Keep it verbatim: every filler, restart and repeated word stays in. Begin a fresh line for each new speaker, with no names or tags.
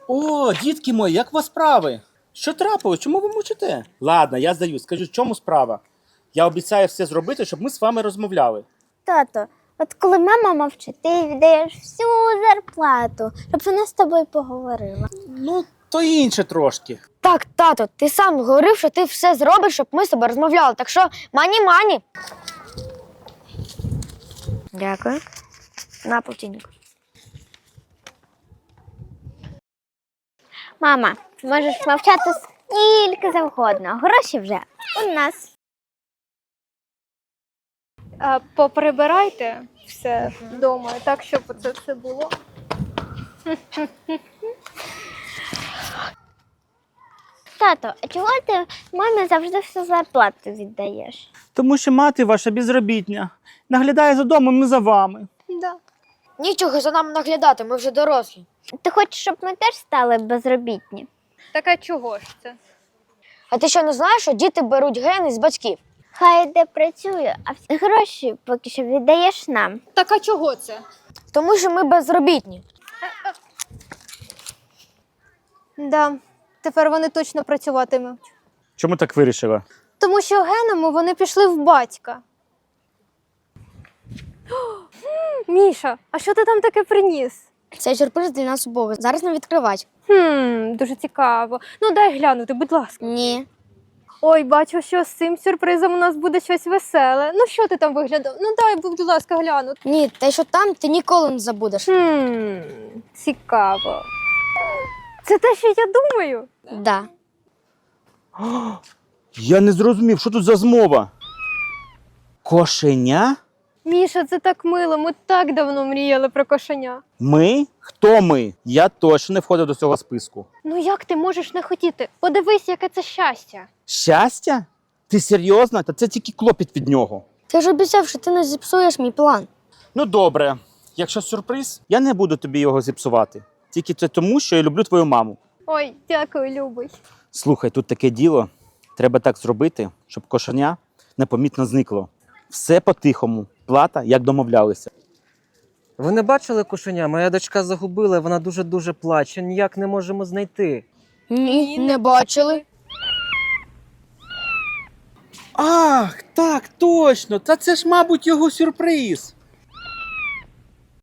О, дітки мої, як у вас справи? Що трапилось? Чому ви мовчите? Ладно, я здаю. Скажіть, в чому справа? Я обіцяю все зробити, щоб ми з вами розмовляли.
Тато, от коли мама мовчить, ти віддаєш всю зарплату, щоб вона з тобою поговорила.
Ну, то інше трошки.
Так, тато, ти сам говорив, що ти все зробиш, щоб ми з тобою розмовляли. Так що мані-мані. Дякую. На полтинник.
Мама, можеш мовчати скільки завгодно. Гроші вже у нас.
А, поприбирайте все вдома, так, щоб це все було.
Тато, а чого ти мамі завжди всю зарплату віддаєш?
Тому що мати ваша безробітня. Наглядає за домом і за вами.
Да.
Нічого за нами наглядати, ми вже дорослі.
Ти хочеш, щоб ми теж стали безробітні?
Так а чого ж це?
А ти що не знаєш, що діти беруть гени з батьків?
Хай де працює, а всі гроші поки що віддаєш нам.
Так а чого це?
Тому що ми безробітні.
Да, тепер вони точно працюватимуть.
Чому так вирішила?
Тому що генами вони пішли в батька. О, Міша, а що ти там таке приніс?
Цей сюрприз для нас обох. Зараз не відкривати.
Хм, дуже цікаво. Ну дай глянути, будь ласка.
Ні.
Ой, бачу, що з цим сюрпризом у нас буде щось веселе. Ну що ти там виглядав? Ну дай, будь ласка, глянути.
Ні, те, що там, ти ніколи не забудеш.
Хм, цікаво. Це те, що я думаю?
Да.
Я не зрозумів, що тут за змова? Кошеня?
Міша, це так мило. Ми так давно мріяли про кошеня.
Ми? Хто ми? Я точно не входив до цього списку.
Ну як ти можеш не хотіти? Подивись, яке це щастя.
Щастя? Ти серйозно? Та це тільки клопіт від нього.
Ти ж обіцяв, що ти не зіпсуєш мій план.
Ну добре, якщо сюрприз, я не буду тобі його зіпсувати. Тільки це тому, що я люблю твою маму.
Ой, дякую, любий.
Слухай, тут таке діло. Треба так зробити, щоб кошеня непомітно зникло. Все по-тихому. Плата, як домовлялися.
Ви не бачили кошеня? Моя дочка загубила, вона дуже-дуже плаче, ніяк не можемо знайти.
Ні, не бачили.
Ах, так, точно! Та це ж, мабуть, його сюрприз.